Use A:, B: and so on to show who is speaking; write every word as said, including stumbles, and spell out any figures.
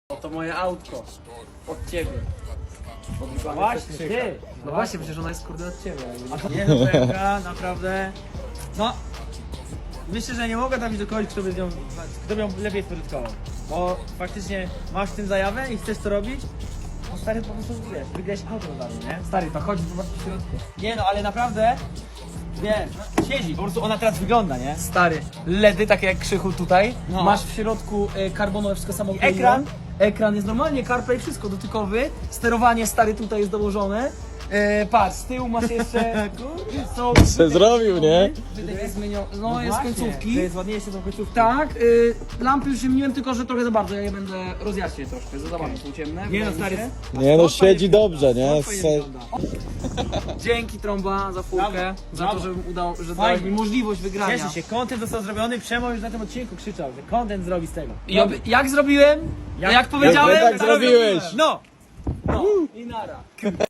A: Oto moje autko. Od ciebie.
B: No właśnie, ty!
A: No właśnie, przecież ona jest kurde od ciebie.
B: Nie no, P M K, naprawdę. No, myślę, że nie mogę trafić do kogoś, kto by, z nią, kto by ją lepiej spożytkował. Bo faktycznie masz w tym zajawę i chcesz to robić, no stary, po prostu wiesz, wygrałeś auto na darmo, nie?
A: Stary, to chodź zobacz w środku.
B: Nie no, ale naprawdę, wiesz, no, siedzi, po prostu ona teraz wygląda, nie?
A: Stary, ledy takie jak Krzychu tutaj.
B: No.
A: Masz w środku e, karbonowe wszystko samo.
B: I ekran?
A: Ekran jest normalnie, CarPlay, wszystko dotykowy. Sterowanie stary tutaj jest dołożone. E, patrz, z tyłu masz jeszcze. Są
C: Se zrobił, nie?
A: wydech jest zmieniony. No,
B: No
A: jest
B: właśnie,
A: końcówki.
B: To jest ładniejsze tą końcówką.
A: Tak, y, lampy już wymieniłem, tylko że trochę za bardzo. Ja je będę rozjaśnię troszkę. Za bardzo są ciemne.
B: Nie
A: wydaje
B: no,
A: mi
B: stary.
A: się.
C: Nie no, siedzi dobrze, nie?
A: Fajnie
C: Se...
A: wygląda. Dzięki Trąba za furkę,
B: Brawo,
A: za
B: brawo.
A: to, że udało, że
B: Fajnie.
A: dałeś mi możliwość wygrania.
B: Cieszę się, content został zrobiony, Przemo już na tym odcinku krzyczał, że content zrobi z tego.
A: I ob- jak zrobiłem? Jak,
B: Jak-
A: jak powiedziałem?
C: jak tak zrobiłeś.
B: No!
A: No. I nara.